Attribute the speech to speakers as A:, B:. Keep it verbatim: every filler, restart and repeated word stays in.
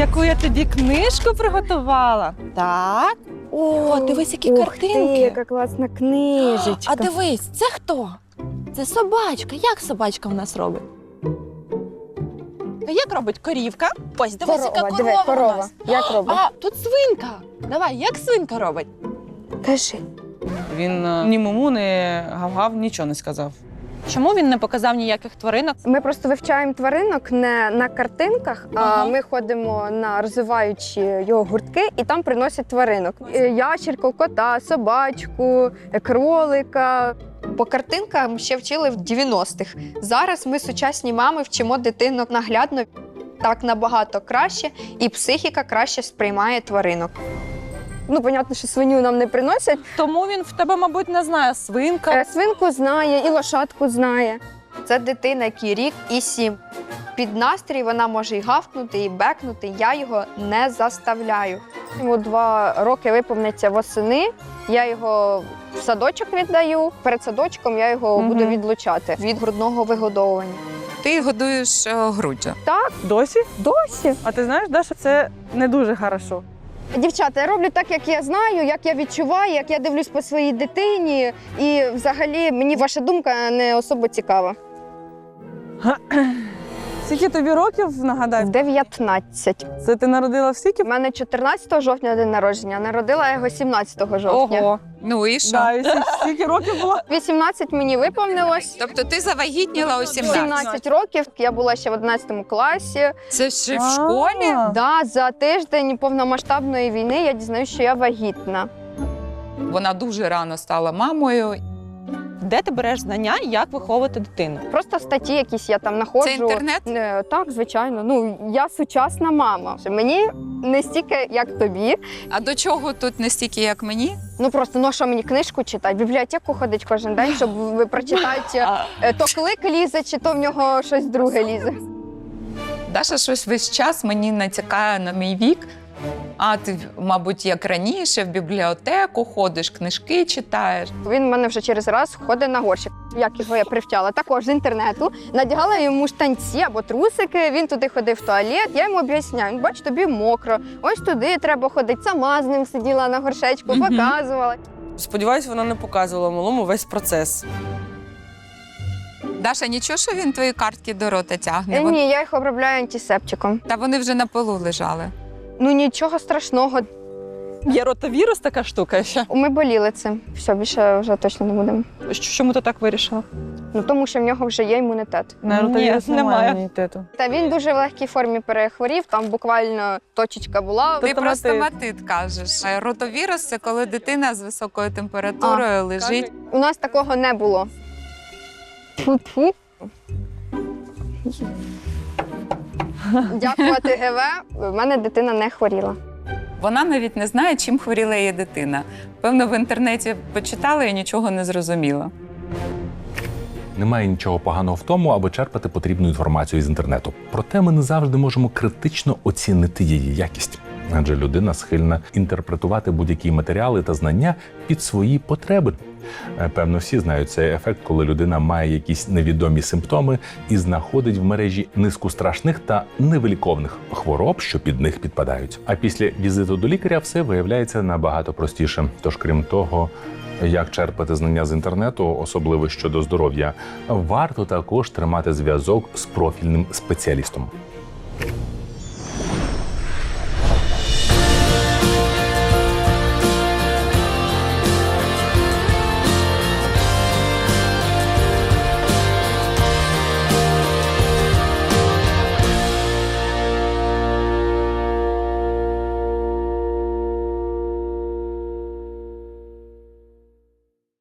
A: яку я тобі книжку приготувала. Так. О, дивись, які
B: Ух
A: картинки.
B: ти, яка класна книжечка.
A: А дивись, це хто? Це собачка. Як собачка в нас робить? А як робить корівка? Ось, дивись, яка
B: Корова,
A: корова,
B: диви,
A: у
B: корова.
A: нас.
B: Як робить?
A: А, тут свинка. Давай, як свинка робить?
B: Кажи.
C: Він е, ні муму, ні гав-гав, нічого не сказав.
A: Чому він не показав ніяких тваринок?
B: Ми просто вивчаємо тваринок не на картинках,
A: Ага.
B: а ми ходимо на розвиваючі його гуртки і там приносять тваринок. Е, Ящерку, кота, собачку, е, кролика.
D: По картинкам ще вчили в дев'яностих. Зараз ми, сучасні мами, вчимо дитинок наглядно. Так набагато краще, і психіка краще сприймає тваринок.
B: Ну, понятно, що свиню нам не приносять.
A: Тому він в тебе, мабуть, не знає. Свинка.
B: Е, Свинку знає і лошадку знає.
D: Це дитина, якій рік і сім. Під настрій вона може і гавкнути, і бекнути. Я його не заставляю.
B: Йому два роки виповниться восени. Я його в садочок віддаю. Перед садочком я його
A: Мгм.
B: буду відлучати.
D: Від грудного вигодовування.
E: Ти годуєш е, груддю.
C: Досі?
B: Досі.
C: А ти знаєш, Даша, це не дуже хорошо.
B: Дівчата, я роблю так, як я знаю, як я відчуваю, як я дивлюсь по своїй дитині. І взагалі мені ваша думка не особо цікава.
C: Скільки тобі років, нагадай?
B: дев'ятнадцять.
C: Це ти народила в скільки?
B: У мене чотирнадцятого жовтня день народження, народила я його сімнадцятого жовтня.
C: Ого.
E: Ну і що?
C: Да, і скільки- скільки років було?
B: вісімнадцять мені виповнилось.
E: Тобто ти завагітніла у сімнадцять?
B: сімнадцять років, я була ще в одинадцятому класі.
E: Це ще в школі?
C: А.
B: Да, за тиждень повномасштабної війни я дізнаюсь, що я вагітна.
E: Вона дуже рано стала мамою.
A: Де ти береш знання, як виховувати дитину?
B: Просто статті якісь я там знаходжу.
E: Це інтернет?
B: Е, Так, звичайно. Ну, я сучасна мама. Мені не стільки, як тобі.
E: А до чого тут не стільки, як мені?
B: Ну просто, ну а що мені книжку читати? В бібліотеку ходить кожен день, щоб ви прочитати, е, то клик лізе, чи то в нього щось друге лізе.
E: Даша щось весь час мені натякає на мій вік. А ти, мабуть, як раніше, в бібліотеку ходиш, книжки читаєш.
B: Він в мене вже через раз ходить на горщик. Як його я привчала? Також з інтернету. Надягала йому штанці або трусики, він туди ходив в туалет, я йому об'ясняю, бач, тобі мокро, ось туди треба ходити. Сама з ним сиділа на горшечку,
E: Мгм.
B: показувала.
C: Сподіваюсь, вона не показувала малому весь процес.
E: Даша, нічого, що він твої картки до рота тягне?
B: Е,
E: Вон-
B: Ні, я їх обробляю антисептиком.
E: Та вони вже на полу лежали.
B: Ну нічого страшного.
A: Є ротавірус така штука ще.
B: Ми боліли цим. Все, більше вже точно не будемо.
A: Чому ти так вирішила?
B: Ну тому що в нього вже є імунітет.
C: На
A: Ні,
C: ротавірус немає
A: немає.
C: імунітету.
B: Та він дуже в легкій формі перехворів, там буквально точечка була.
E: Ти
C: Тобто
E: про
C: стоматит.
E: стоматит кажеш. А ротовірус – це коли дитина з високою температурою лежить.
B: У нас такого не було. Фу-фу. Дякувати ГВ, в мене дитина не хворіла.
E: Вона навіть не знає, чим хворіла її дитина. Певно, в інтернеті почитала і нічого не зрозуміла.
F: Немає нічого поганого в тому, аби черпати потрібну інформацію з інтернету. Проте ми не завжди можемо критично оцінити її якість. Адже людина схильна інтерпретувати будь-які матеріали та знання під свої потреби. Е, Певно, всі знають цей ефект, коли людина має якісь невідомі симптоми і знаходить в мережі низку страшних та невиліковних хвороб, що під них підпадають. А після візиту до лікаря все виявляється набагато простіше. Тож, крім того, як черпати знання з інтернету, особливо щодо здоров'я, варто також тримати зв'язок з профільним спеціалістом.